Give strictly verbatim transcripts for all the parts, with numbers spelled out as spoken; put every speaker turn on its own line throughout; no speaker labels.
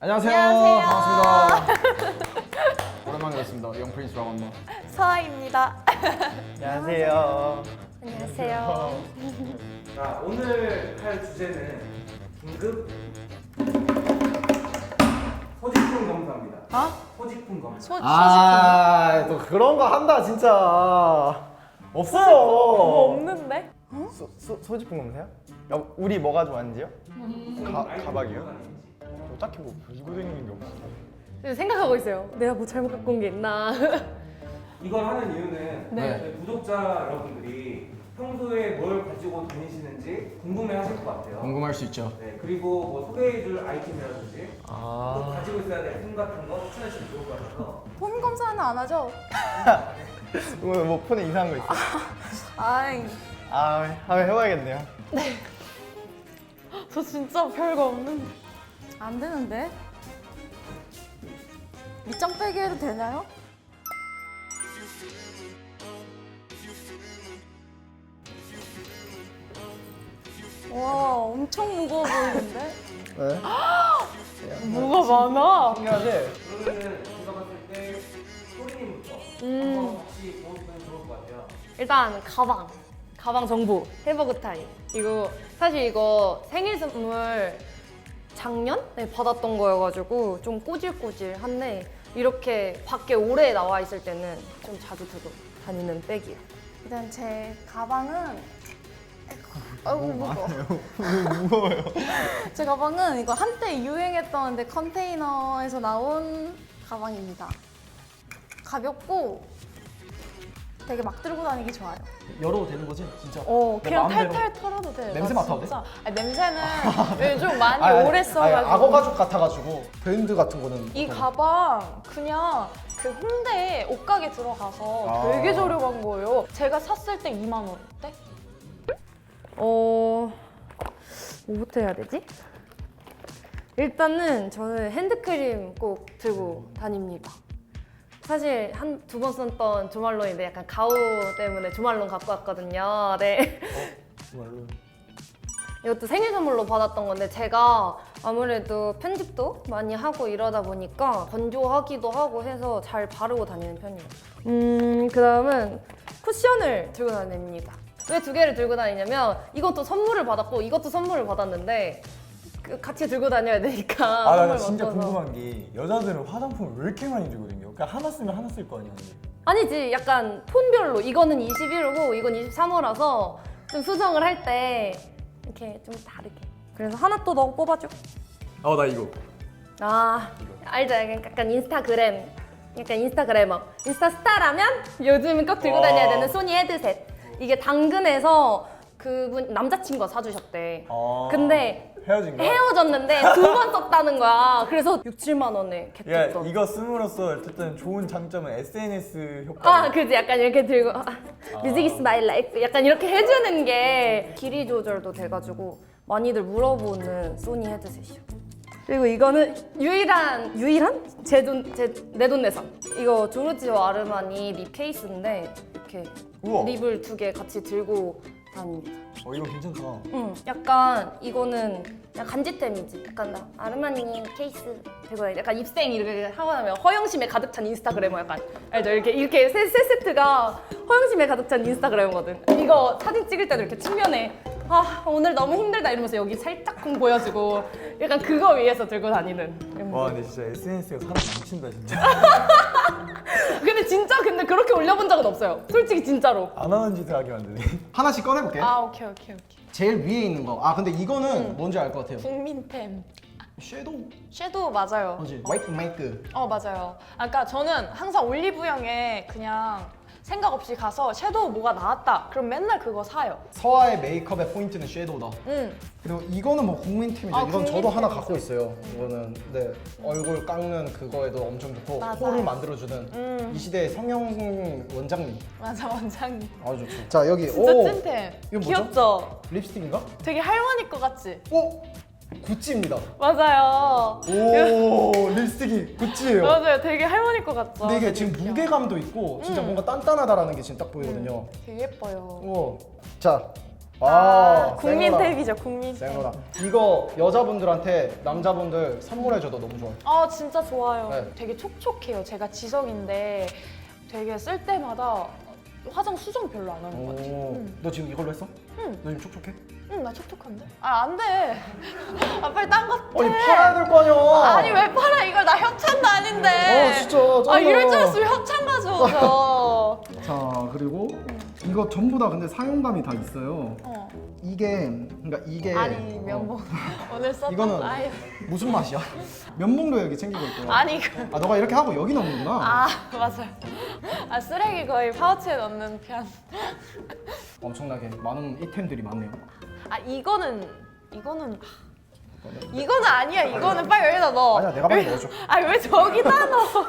안녕하세요.
안녕하세요.
반갑습니다. 오랜만에 뵙습니다. 영프린스라고 합니다.
서아입니다.
안녕하세요.
안녕하세요.
자, 오늘 할 주제는 긴급 소지품 검사입니다.
어?
소지품 검사.
소,
아, 또 그런 거 한다 진짜. 없어요.
뭐 없는데?
소, 소, 소지품 검사요? 야, 우리 뭐가 좋아하는지요? 가, 가방이요? 저 딱히 뭐 가지고 다니는 게 없어요.
생각하고 있어요. 내가 뭐 잘못 갖고 온 게 있나?
이걸 하는 이유는
네.
저희 구독자 여러분들이 평소에 뭘 가지고 다니시는지 궁금해하실 것 같아요.
궁금할 수 있죠.
네, 그리고 뭐 소개해줄 아이템이라든지 또
아,
가지고 있어야 될 품 같은 거 추천해주시면 좋을 것 같아서
폰 검사는 안 하죠?
뭐, 뭐 폰에 이상한 거 있어?
아이,
아, 한번 해봐야겠네요.
저 진짜 별거 없는데. 안 되는데? 밑장 빼기 해도 되나요? 와, 엄청 무거워 보이는데?
네?
뭐가 많아?
신기하지?
그러면은 제가 봤을 때 소리님부터
음.
한번 혹시 보여주면 좋을 것 같아요.
일단 가방, 가방 정보, 해버그 타임. 이거 사실 이거 생일 선물 작년에 받았던 거여가지고 좀 꼬질꼬질한데 이렇게 밖에 오래 나와 있을 때는 좀 자주 들고 다니는 백이에요. 일단 제 가방은 아이고 무거워.
무거워요.
제 가방은 이거 한때 유행했던 컨테이너에서 나온 가방입니다. 가볍고 되게 막 들고 다니기 좋아요.
열어도 되는 거지? 진짜?
어,
내
그냥
마음대로.
탈탈 털어도 돼.
냄새
나
맡아도 돼?
진짜. 아니, 냄새는 요즘 많이
아니,
오래
아니,
써가지고.
악어 가죽 같아가지고 브랜드 같은 거는
이
어떤-
가방 그냥 그 홍대 옷가게 들어가서
아.
되게 저렴한 거예요. 제가 샀을 때 이만 원대? 어... 뭐부터 해야 되지? 일단은 저는 핸드크림 꼭 들고 다닙니다. 사실 한 두 번 썼던 조말론인데 약간 가오 때문에 조말론 갖고 왔거든요. 네.
정말로.
이것도 생일 선물로 받았던 건데 제가 아무래도 편집도 많이 하고 이러다 보니까 건조하기도 하고 해서 잘 바르고 다니는 편이에요. 음, 그 다음은 쿠션을 들고 다닙니다. 왜 두 개를 들고 다니냐면 이것도 선물을 받았고 이것도 선물을 받았는데 그 같이 들고 다녀야 되니까
아, 나
선물
진짜
맡아서.
궁금한 게 여자들은 화장품을 왜 이렇게 많이 들거든요? 그러니까 하나 쓰면 하나 쓸 거 아니야? 근데.
아니지, 약간 톤별로 이거는 이십일 호고 이건 이십삼 호라서 좀 수정을 할 때 이렇게 좀 다르게. 그래서 하나 또 너 뽑아줘.
어, 나 이거.
아, 알죠? 약간, 약간 인스타그램, 약간 인스타그래머. 인스타 스타라면 요즘 꼭 들고
와.
다녀야 되는 소니 헤드셋. 이게 당근에서 그분 남자친구가 사주셨대.
아,
근데
헤어진 거야?
헤어졌는데 두 번 썼다는 거야. 그래서 육, 칠만 원에
야,
겟했던.
이거 씀으로써 어쨌든 좋은 장점은 에스엔에스 효과.
아, 그지? 약간 이렇게 들고 아, 뮤직 is my life. 약간 이렇게 해주는 게 길이 조절도 돼가지고 많이들 물어보는 소니 헤드셋이요. 그리고 이거는 유일한 유일한 제돈 제 내돈내산. 이거 조르지오 아르마니 립 케이스인데 이렇게
우와.
립을 두 개 같이 들고 다닙니다.
어, 이거 괜찮다.
응, 약간 이거는 그냥 간지템이지. 약간 나 아르마니 케이스 들고 다니. 약간 입생 이렇게 하고 나면 허영심에 가득 찬 인스타그래머 약간 알죠? 이렇게 이렇게 세, 세 세트가 허영심에 가득 찬 인스타그래머거든. 이거 사진 찍을 때도 이렇게 측면에 아 오늘 너무 힘들다 이러면서 여기 살짝쿵 보여주고 약간 그거 위해서 들고 다니는.
와, 근데 진짜 에스엔에스가 사람 망친다 진짜.
근데 진짜 근데 그렇게 올려본 적은 없어요. 솔직히 진짜로.
안 하는 짓을 하게 만드네.
하나씩 꺼내볼게.
아 오케이 오케이 오케이.
제일 위에 있는 거. 아 근데 이거는 뭔지 알 것 같아요.
국민템.
섀도우.
섀도우 맞아요.
뭐지? 화이트 메이크.
어 맞아요. 아, 그러니까 저는 항상 올리브영에 그냥 생각 없이 가서 섀도우 뭐가 나왔다. 그럼 맨날 그거 사요.
서아의 메이크업의 포인트는 섀도우다.
응.
그리고 이거는 뭐 국민템이죠.
아,
이건 저도 하나
국민템이죠.
갖고 있어요. 이거는 네 얼굴 깎는 그거에도 엄청 좋고
맞아요.
코를 만들어주는
음.
이 시대의 성형 원장님.
맞아 원장님.
아주 좋죠. 자 여기
진짜
오
찐템.
이건 뭐죠?
귀엽죠?
립스틱인가?
되게 할머니 거 같지?
오 구찌입니다.
맞아요.
오 립스틱이 구찌예요.
맞아요. 되게 할머니 거 같죠?
근데 이게 지금
되게
무게감도 있고 진짜
음.
뭔가 단단하다라는 게 지금 딱 보이거든요.
되게 예뻐요.
오. 자 아,
국민
생로랑.
탭이죠, 국민 탭.
생로랑. 이거 여자분들한테 남자분들 선물해줘도 너무 좋아요.
아 진짜 좋아요.
네.
되게 촉촉해요. 제가 지성인데 되게 쓸 때마다 화장 수정 별로 안 하는 것 같아요.
오,
응.
너 지금 이걸로 했어?
응.
너 지금 촉촉해?
응, 나 촉촉한데? 아, 안 돼. 아, 빨리 딴 거 해.
아니 팔아야 될 거 아니야.
아니, 왜 팔아? 이걸 나 협찬도 아닌데.
어 진짜
아,
짱이다.
이럴 줄 알았으면 협찬 가져오죠.
자 그리고 이거 전부 다 근데 사용감이 다 있어요.
어.
이게 그러니까 이게
아니,
어,
면봉. 오늘 썼던
이거는
아유.
무슨 맛이야? 면봉도 여기 챙기고 있고.
아니, 그.
아 너가 이렇게 하고 여기 넣는구나.
아, 맞아요. 아, 쓰레기 거의 파우치에 넣는 편.
엄청나게 많은 이템들이 많네요.
아, 이거는, 이거는. 이거는 아니야. 이거는 빨리 여기다 넣어.
아니야 내가 빨리 넣어줘.
아니, 왜 저기다 넣어?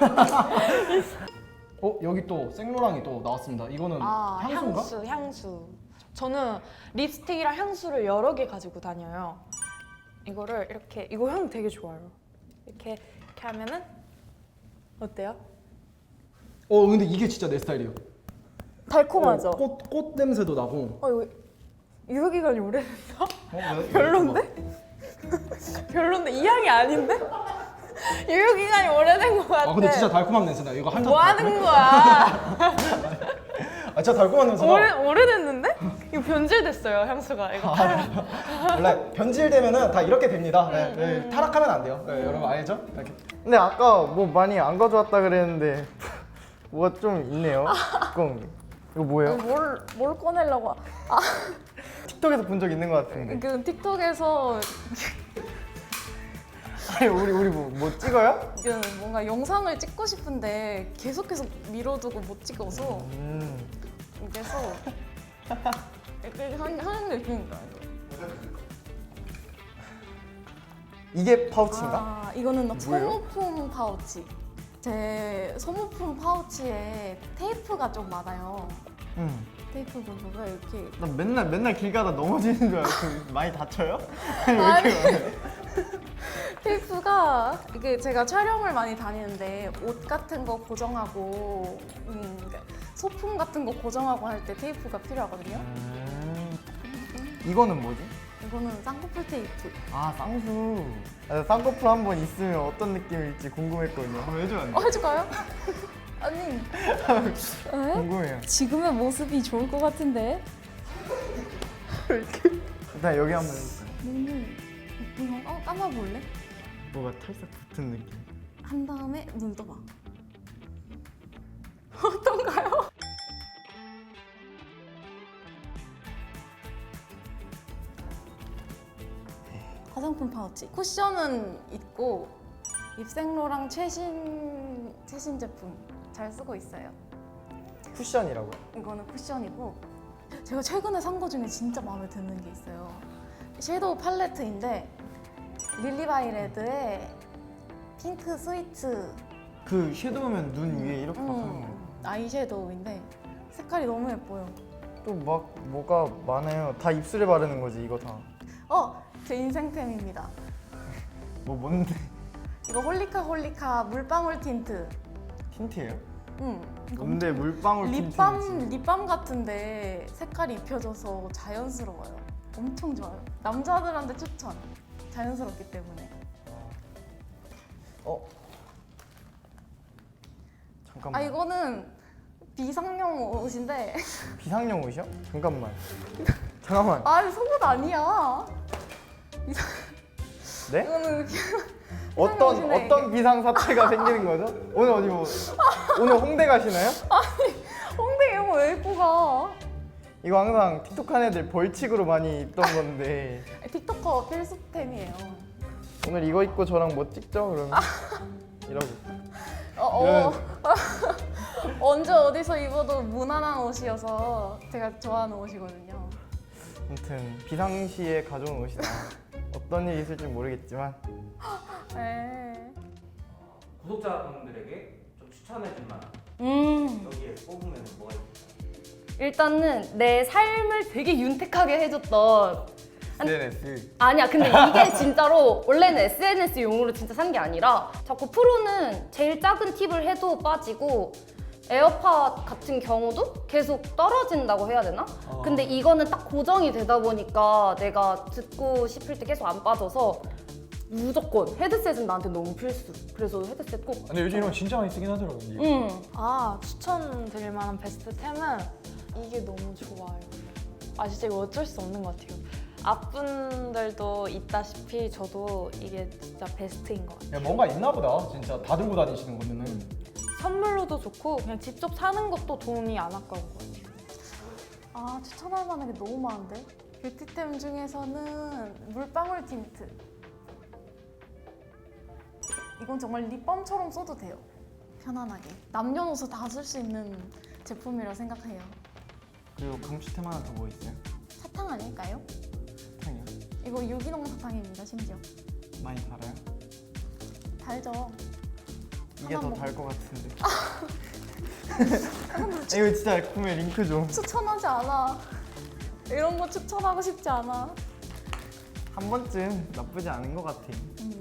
어 여기 또 생로랑이 또 나왔습니다. 이거는
아,
향수인가?
향수, 향수. 저는 립스틱이랑 향수를 여러 개 가지고 다녀요. 이거를 이렇게, 이거 향 되게 좋아요. 이렇게, 이렇게 하면은 어때요?
어 근데 이게 진짜 내 스타일이에요.
달콤하죠?
어, 꽃, 꽃 냄새도 나고.
어, 이거 유효기간이 오래됐나?
어, 왜?
별론데? 별론데? 이 향이 아닌데? 유효기간이 오래된 것 같아.
아 근데 진짜 달콤한 냄새나. 이거 한 잔.
뭐 하는 거야?
아 진짜 달콤한 냄새나.
오래, 오래됐는데? 이거 변질됐어요, 향수가. 이거 팔.
원래 변질되면은 다 이렇게 됩니다. 네,
음,
네, 타락하면 안 돼요. 네, 여러분 알죠? 이렇게.
근데 아까 뭐 많이 안 가져왔다 그랬는데 뭐가 좀 있네요. 뚜껑. 이거 뭐예요?
뭘, 뭘 꺼내려고.
틱톡에서 본 적 있는 것 같은데.
그 틱톡에서
아니 우리 우리 뭐, 뭐 찍어요?
그 뭔가 영상을 찍고 싶은데 계속 계속 미뤄두고 못 찍어서
음.
그래서 이렇게 한- 하는 게 있으니까.
이게 파우치인가?
아, 이거는
뭐예요?
소모품 파우치. 제 소모품 파우치에 테이프가 좀 많아요.
응.
테이프 부분가 이렇게.
나 맨날 맨날 길 가다 넘어지는 줄 알고 많이 다쳐요? 아니 왜
아니.
이렇게 많아요?
테이프가 이게 제가 촬영을 많이 다니는데 옷 같은 거 고정하고 음, 그러니까 소품 같은 거 고정하고 할 때 테이프가 필요하거든요.
음. 이거는 뭐지?
이거는 쌍꺼풀 테이프.
아 쌍수. 아, 쌍꺼풀 한 번 있으면 어떤 느낌일지 궁금했거든요. 한번 해주면 안
어,
돼?
해줄까요? 아니. 에?
궁금해요.
지금의 모습이 좋을 것 같은데.
일단 여기 한번 해볼까요?
눈을 이거 어, 감아볼래?
뭐가 탈색 붙은 느낌.
한 다음에 눈 떠봐. 어떤가요? 화장품 파우치. 쿠션은 있고 입생로랑 최신 최신 제품 잘 쓰고 있어요.
쿠션이라고요?
이거는 쿠션이고 제가 최근에 산 거 중에 진짜 마음에 드는 게 있어요. 섀도우 팔레트인데 릴리바이레드의 핑크 스위트
그 섀도우면 눈 위에 이렇게 막 하는
음,
거예요.
아이섀도우인데 색깔이 너무 예뻐요.
또 막 뭐가 많아요. 다 입술에 바르는 거지 이거 다.
어! 제 인생템입니다.
뭐 뭔데?
이거 홀리카 홀리카 물방울 틴트.
틴트예요?
응. 이거
뭔데
엄청-
물방울 틴트지?
립밤, 립밤 같은데 색깔이 입혀져서 자연스러워요. 엄청 좋아요. 남자들한테 추천. 자연스럽기 때문에.
어? 잠깐만.
아 이거는 비상용 옷인데
비상용 옷이요? 잠깐만. 잠깐만.
아 속옷 아니야. 비상...
네?
이거는
어떤
옷이네,
어떤 비상 사태가 생기는 거죠? 오늘 어디 뭐 오늘 홍대 가시나요?
홍대 이런 거 왜 입고 가?
이거 항상 틱톡 한 애들 벌칙으로 많이 입던 건데
틱토커 필수템이에요.
오늘 이거 입고 저랑 뭐 찍죠? 그러면 이러고.
어, 어. 언제 어디서 입어도 무난한 옷이어서 제가 좋아하는 옷이거든요.
아무튼 비상시에 가져온 옷이다. 어떤 일이 있을지 모르겠지만
네.
구독자분들에게 좀 추천해줄 만한
음.
여기에 뽑으면 뭐가 있을까요?
일단은 내 삶을 되게 윤택하게 해줬던
에스엔에스
아니야 근데 이게 진짜로 원래는 에스엔에스용으로 진짜 산 게 아니라 자꾸 프로는 제일 작은 팁을 해도 빠지고 에어팟 같은 경우도 계속 떨어진다고 해야 되나?
어.
근데 이거는 딱 고정이 되다 보니까 내가 듣고 싶을 때 계속 안 빠져서 무조건 헤드셋은 나한테 너무 필수. 그래서 헤드셋 꼭.
근데 요즘 이런 거 진짜 많이 쓰긴 하더라고요. 이게.
응.
아, 추천드릴 만한 베스트 템은 이게 너무 좋아요. 아, 진짜 이거 어쩔 수 없는 것 같아요. 앞분들도 있다시피 저도 이게 진짜 베스트인 것 같아요.
야, 뭔가 있나 보다. 진짜 다 들고 다니시는 거면은.
선물로도 좋고 그냥 직접 사는 것도 돈이 안 아까운 것 같아요.
아, 추천할 만한 게 너무 많은데? 뷰티템 중에서는 물방울 틴트. 이건 정말 립밤처럼 써도 돼요. 편안하게. 남녀노소 다 쓸 수 있는 제품이라 생각해요.
그리고 감시템 하나 더 뭐 있어요?
사탕 아닐까요?
사탕이요?
이거 유기농 사탕입니다, 심지어.
많이 달아요?
달죠.
이게
하나
더
먹어.
달 것 같은데. 이거 진짜 구매 링크 좀.
추천하지 않아. 이런 거 추천하고 싶지 않아.
한 번쯤 나쁘지 않은 것 같아.
음.